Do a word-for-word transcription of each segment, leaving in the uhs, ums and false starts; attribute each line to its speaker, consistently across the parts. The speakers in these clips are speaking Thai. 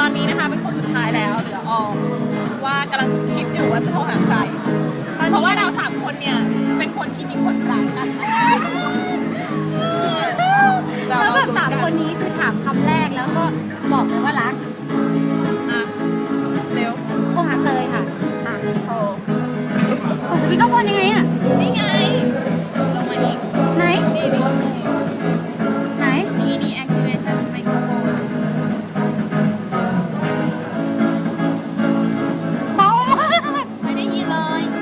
Speaker 1: อนนี้นะคะเป็นคนสุดท้ายแล้วเหลือออมว่ากำลังคิดอยู่ว่าจะโทรหาใครเพราะว่าเราสามคนเนี่ยเป็นคนที่มีคนรักกัน
Speaker 2: แล้วแบบสามคนนี้คือถามคำแรกแล้วก็บอกเลยว่ารัก
Speaker 1: อ่ะเร็ว
Speaker 2: โทรหาเตยค่ะ
Speaker 1: อ่ะโทร
Speaker 2: เปิดสปีกเกอร์โฟนยังไงอะ
Speaker 1: นี่ไงลงมาอีก
Speaker 2: ไหน
Speaker 1: นี่นี่
Speaker 2: ไหน
Speaker 1: นี่นี่ activation microphone
Speaker 2: เบามาก
Speaker 1: ไม่ได้ยินเลย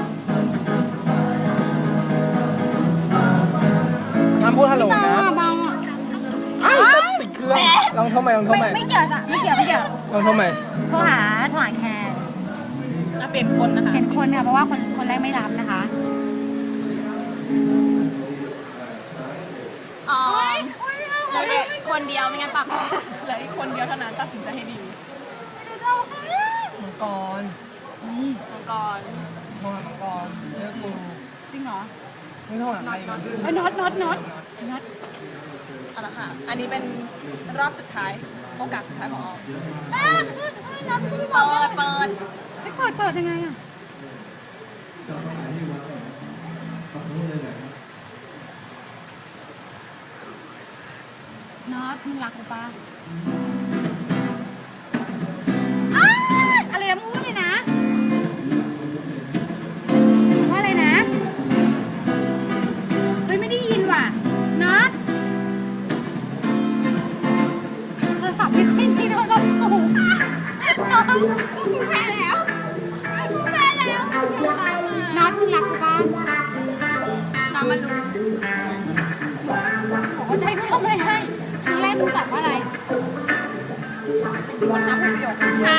Speaker 3: น้ำพูดฮัลโหล
Speaker 2: เบา
Speaker 3: นะ
Speaker 2: อะเบาอะ
Speaker 3: อ้าวปิดเครื่องลองโทรใหม่ลองโทร
Speaker 2: ไม่
Speaker 3: ใหม่
Speaker 2: ไม่เกี่ยวจ้ะไม่เกี่ยวไม่เกี่ยว
Speaker 3: ลองโทรใหม่
Speaker 2: โทรหาโทรหาแคร์
Speaker 1: อ่ะเปลี่ยนคนนะคะ
Speaker 2: เห็นคนค่ะเพราะว่าคนคนแรกไม่รับนะคะ
Speaker 1: อ๋อเหลืออีกคนเดียวไม่งั้นปรับเหลืออีกคนเดียวเท่านั้นตัดสินใจให้ดี
Speaker 3: มังกร
Speaker 2: นี่
Speaker 1: มังกร
Speaker 3: โทรหามังกรเลือกกู
Speaker 2: จริงเหรอ
Speaker 3: ไม่โทรหาใครกัน
Speaker 2: เอ้ยน็อตน็อตน็อตน็อต
Speaker 1: เอาละค่ะ อันนี้เป็นรอบสุดท้ายโอกาสสุดท้ายของออม
Speaker 2: อ่ะเอ้ยเอ้ยน็อตไม่ใช่บอ
Speaker 1: เปิ
Speaker 2: ก
Speaker 1: ดเปิด
Speaker 2: ไม่เปิดเปิดยังไงอะน็อตมึงรักกูปะอ้าวอะไรนะมึงพูดเลยนะว่าอะไรนะเฮ้ยไม่ได้ยินว่ะน็อตโทรศัพท์ไม่ค่อยดีโทรศัพท์ถูกน้องมึงแพ้แล้วมึงแพ้แล้วน็อตมึงรักกูปะ
Speaker 1: น้ำมันรู้
Speaker 2: บอกว่าจะให้กูทำอะไรให้ครั้งแรกมึงตอบว่าอะไร
Speaker 1: จริงๆมันน้ำพูดประโยค
Speaker 2: ใช่